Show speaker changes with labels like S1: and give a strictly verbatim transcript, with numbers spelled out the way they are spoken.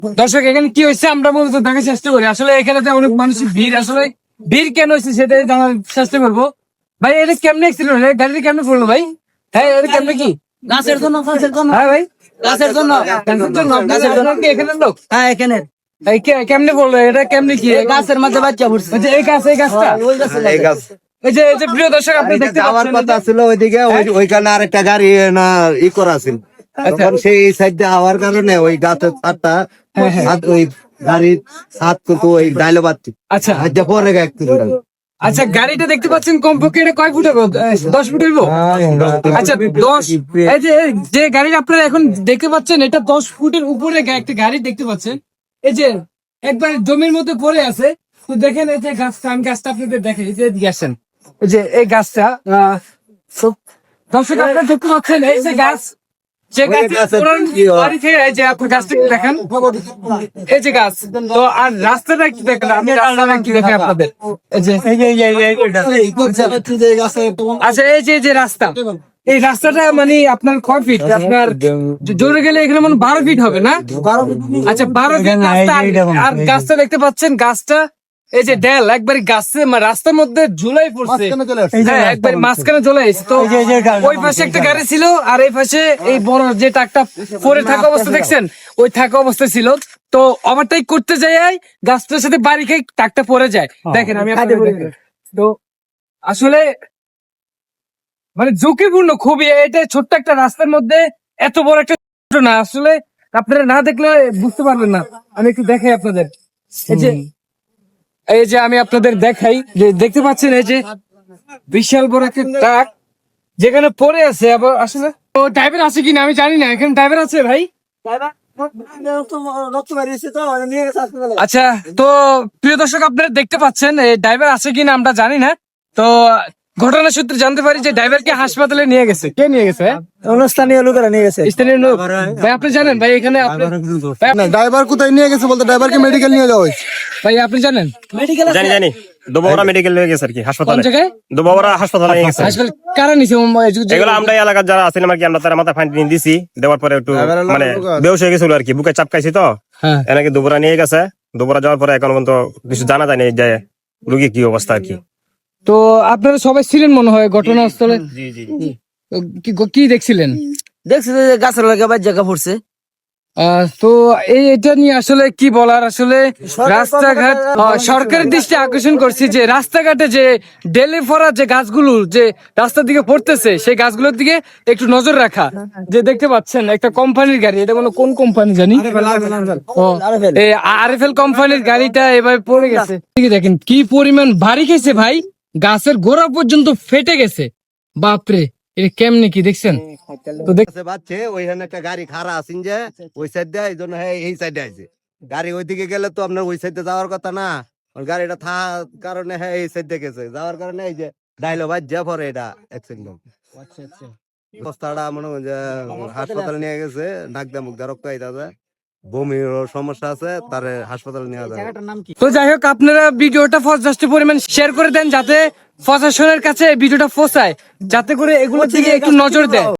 S1: দর্শক এখানে কি হয়েছে আমরা মূলত দেখার চেষ্টা করি। আসলে এখানে তো অনেক মানুষের ভিড়, আসলে ভিড় কেন হয়েছে সেটাই জানার চেষ্টা করবো। ভাই এটা কেমনে অ্যাক্সিডেন্ট হলো, গাড়িটা কেমনে পড়লো ভাই? হ্যাঁ এটা কেমনে কি
S2: গাছের জন্য গাছের জন্য
S1: হ্যাঁ ভাই
S2: গাছের জন্য
S1: গাছের জন্য গাছের জন্য কি এখানে লোক
S2: হ্যাঁ এখানে
S1: এই কে- কেমনে পড়লো এটা, কেমনে কি
S2: এই গাছের মধ্যে বাচ্চা পড়ছে
S1: ওই যে এই গাছ এই গাছটা
S2: ওই গাছে
S3: এই গাছ
S1: এই যে এই যে প্রিয় দর্শক আপনি দেখতে
S3: যাওয়ার
S1: পাচ্ছেন
S3: কথা ছিল ওইদিকে ওই- ওইখানে আরেকটা গাড়ি না ই করা ছিল তখন সেই সাইড দিয়ে হওয়ার কারণে ওই গাছের ছাদটা ছাদ- ওই গাড়ির ছাদ কিন্তু ওই ডাইলো বাড়তি
S1: আচ্ছা
S3: হাজার পরে একটু
S1: আচ্ছা গাড়িটা দেখতে পাচ্ছেন কমপক্ষে এটা কয় ফুট হবে? আহ, দশ ফুট হইব? আচ্ছা দশ এই যে যে গাড়ি আপনারা এখন দেখতে পাচ্ছেন এটা দশ ফুটের উপরে গা- একটা গাড়ি দেখতে পাচ্ছেন। এই যে একবার জমির মধ্যে পড়ে আছে। তো দেখেন এই যে গাছটা, আমি গাছটা আপনাদের দেখেন, এই যে এদিকে আসেন। এই যে এই গাছটা আহ, so- দর্শক আপনারা দেখতে পাচ্ছেন এই যে গাছ, যে গাছ
S3: গাছের
S1: পুরান
S3: কি হয়?
S1: বাড়ি থেকে এই যে আপনি গাছটা একটু দেখেন, এই যে গাছ। তো আর রাস্তাটা কি দেখেন, আমি রাস্তাটা কি দেখে আপনাদের এই যে আচ্ছা এই যে এই যে রাস্তা, এই রাস্তাটা মানে আপনার কয় ফিট? আপনার জোরে গেলে এখানে মানে বারো ফিট হবে না? আচ্ছা বারো ফিট রাস্তা। আর- আর গাছটা দেখতে পাচ্ছেন, গাছটা এই যে ডেল একবারে গাছে মানে রাস্তার মধ্যে ঝুলাই পড়ছে। হ্যাঁ একবার মাঝখানে চলে এসেছে। তো ওই পাশে একটা গাড়ি ছিল আর এই পাশে এই বড় যে ট্রাকটা পরে থাকা অবস্থা দেখছেন, ওই থাকা অবস্থা ছিল। তো ওভারটেক করতে যাই গাছটার সাথে বাড়ি খেয়ে ট্রাকটা পরে যায়। দেখেন আমি আপনাদের দেখাই। তো আসলে মানে ঝুঁকিপূর্ণ খুবই, এটা ছোট্ট একটা রাস্তার মধ্যে এত বড় একটা ঘটনা আসলে আপনারা না দেখলে বুঝতে পারবেন না। আমি একটু দেখাই আপনাদের, এই যে এই যে আমি আপনাদের দেখাই যে দেখতে পাচ্ছেন এই যে বিশাল বড় একটা ট্রাক যেখানে পড়ে আছে। আবার আসলে তো ড্রাইভার আছে কিনা আমি জানি না, এখানে ড্রাইভার আছে ভাই? আচ্ছা তো প্রিয় দর্শক আপনারা দেখতে পাচ্ছেন এই ড্রাইভার আছে কিনা আমরা জানি না। তো ঘটনা সূত্রে জানতে পারি যে ড্রাইভারকে হাসপাতালে নিয়ে গেছে। কে নিয়ে গেছে?
S2: স্থানীয় লোকেরা নিয়ে গেছে।
S1: স্থানীয় লোক। ভাই আপনি জানেন ভাই এখানে আপনি ভাই,
S4: ড্রাইভার কোথায় নিয়ে গেছে বলতে ড্রাইভারকে মেডিকেল নিয়ে যাওয়া হয়েছে।
S1: ভাই আপনি জানেন
S2: মেডিকেল
S5: জানি জানি দুবাবরা মেডিকেল নিয়ে গেছে আর কি
S1: কোন
S5: হাসপাতালে,
S1: জায়গায়
S5: দুবাবরা হাসপাতালে নিয়ে গেছে।
S1: হাসপাতাল কারা নিছে?
S5: এগুলো আমরা এই এলাকার যারা আছেন আর কি, আমরা তার মাথায় ফাইন নিয়ে দিছি, দেওয়ার পরে একটু মানে বেউস হয়ে গেছিল আর কি, বুকে চাপ খাইছি তো
S1: হ্যাঁ
S5: এনাকে দুবরা নিয়ে গেছে। দুবরা যাওয়ার পরে এখন পর্যন্ত কিছু জানা যায়নি যে রুগী কি অবস্থা আর কি।
S1: তো আপনারা সবাই ছিলেন মনে হয় ঘটনাস্থলে?
S5: জি জি
S1: কি কি দেখছিলেন?
S2: দেখছি যে গাছের লাগে বাচ্চা পড়ছে।
S1: আহ, তো এই এটা নিয়ে আসলে কি বলার, আসলে রাস্তাঘাট আহ, সরকারের দৃষ্টি আকর্ষণ করছি যে রাস্তাঘাটে যে ডেলে ফরা যে গাছগুলো যে রাস্তার দিকে পড়তেছে সেই গাছগুলোর দিকে একটু নজর রাখা। যে দেখতে পাচ্ছেন একটা কোম্পানির গাড়ি, এটা কোনো কোন কোম্পানি জানি, আরএফএল কোম্পানির গাড়িটা এভাবে পড়ে গেছে। ঠিক আছে, দেখেন কি পরিমাণ ভারী খেয়েছে ভাই, গাছের গোড়া পর্যন্ত ফেটে গেছে। বাপরে এটা কেমনে কি দেখছেন? তো দেখ
S3: আছে বাচ্চে ওইখানে একটা গাড়ি খাড়া আছেন যে ওই সাইড দিয়ে এই জন্য হ্যাঁ এই সাইডে আছে গাড়ি ওইদিকে গেলে তো আপনার ওই সাইডে যাওয়ার কথা না, ওর গাড়িটা থাকার কারণে হ্যাঁ এই সাইডে গেছে যাওয়ার কারণে এই যে ডাইলো বাজ যা পরে এটা অ্যাক্সিডেন্ট অবস্থাটা মনে হয় যে হাসপাতালে নিয়ে গেছে, নাক দিয়ে মুখ দিয়ে রক্ত আইতাছে, বমির সমস্যা আছে, তারে হাসপাতালে নিয়ে যাবে।
S1: তো যাই হোক আপনারা ভিডিওটা যথেষ্ট পরিমাণ শেয়ার করে দেন যাতে প্রশাসনের কাছে ভিডিওটা পৌঁছায়, যাতে করে এগুলোর দিকে একটু নজর দেয়।